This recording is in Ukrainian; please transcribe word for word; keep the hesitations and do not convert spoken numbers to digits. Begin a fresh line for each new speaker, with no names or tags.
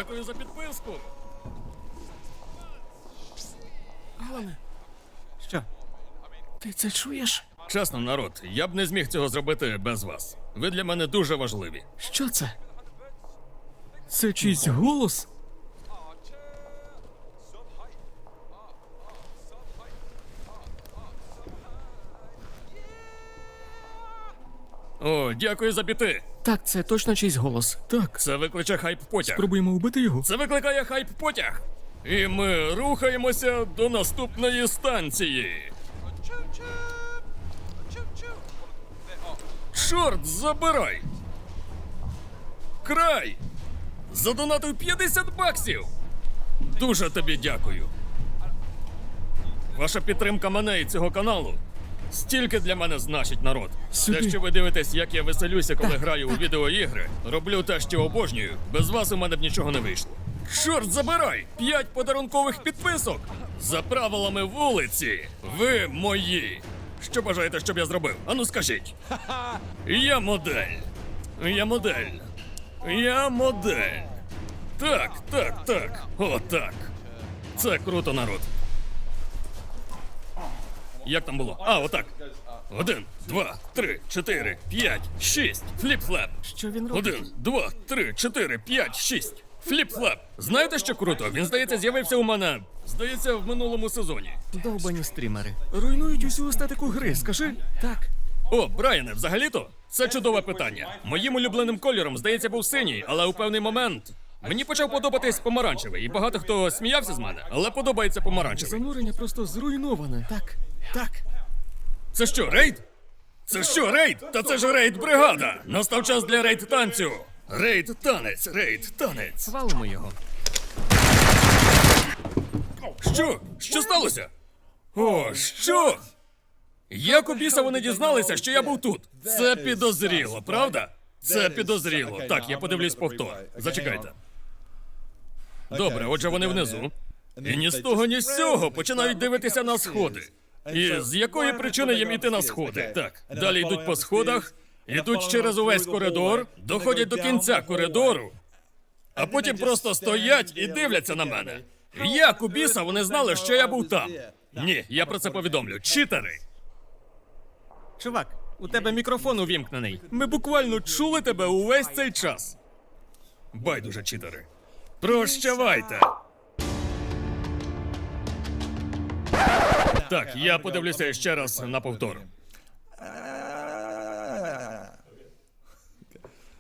Дякую за підписку.
Алане, що? Ти це чуєш?
Чесно, народ, я б не зміг цього зробити без вас. Ви для мене дуже важливі.
Що це? Це чийсь голос?
О, дякую за біти.
Так, це точно чийсь голос. Так.
Це викличе хайп-потяг.
Пробуємо вбити його.
Це викликає хайп-потяг. І ми рухаємося до наступної станції. Чорт, забирай! Край! Задонатив п'ятдесят баксів! Дуже тобі дякую. Ваша підтримка мене і цього каналу стільки для мене значить, народ.
Сюди.
Те, що ви дивитесь, як я веселюся, коли граю у відеоігри, роблю те, що обожнюю, без вас у мене б нічого не вийшло. Чорт забирай! П'ять подарункових підписок! За правилами вулиці, ви мої! Що бажаєте, щоб я зробив? Ану скажіть. Я модель. Я модель. Я модель. Так, так, так. О, так. Це круто, народ. Як там було? А, отак. Один, два, три, чотири, п'ять, шість. Фліп-флеп.
Що він робить?
Один, два, три, чотири, п'ять, шість. Фліп-флеп. Знаєте, що круто? Він, здається, з'явився у мене, здається, в минулому сезоні.
Довбані стрімери. Руйнують усю естетику гри, скажи. Так.
О, Брайане, взагалі-то, це чудове питання. Моїм улюбленим кольором, здається, був синій, але у певний момент мені почав подобатись помаранчевий, і багато хто сміявся з мене, але подобається помаранчевий.
Занурення просто зруйноване. Так. Так.
Це що, рейд? Це що, рейд? Та це ж рейд-бригада! Настав час для рейд-танцю! Рейд-танець, рейд-танець.
Валимо його.
Що? Що сталося? О, що? Як у біса вони дізналися, що я був тут? Це підозріло, правда? Це підозріло. Так, я подивлюсь повтор. Зачекайте. Добре, отже, вони внизу. І ні з того, ні з цього починають дивитися на сходи. І з якої причини їм іти на сходи? Так, далі йдуть по сходах, ідуть через увесь коридор, доходять до кінця коридору, а потім просто стоять і дивляться на мене. Як у біса вони знали, що я був там? Ні, я про це повідомлю. Читери!
Чувак, у тебе мікрофон увімкнений.
Ми буквально чули тебе увесь цей час. Байдуже, читери. Прощавайте! Так, я подивлюся ще раз на повтор.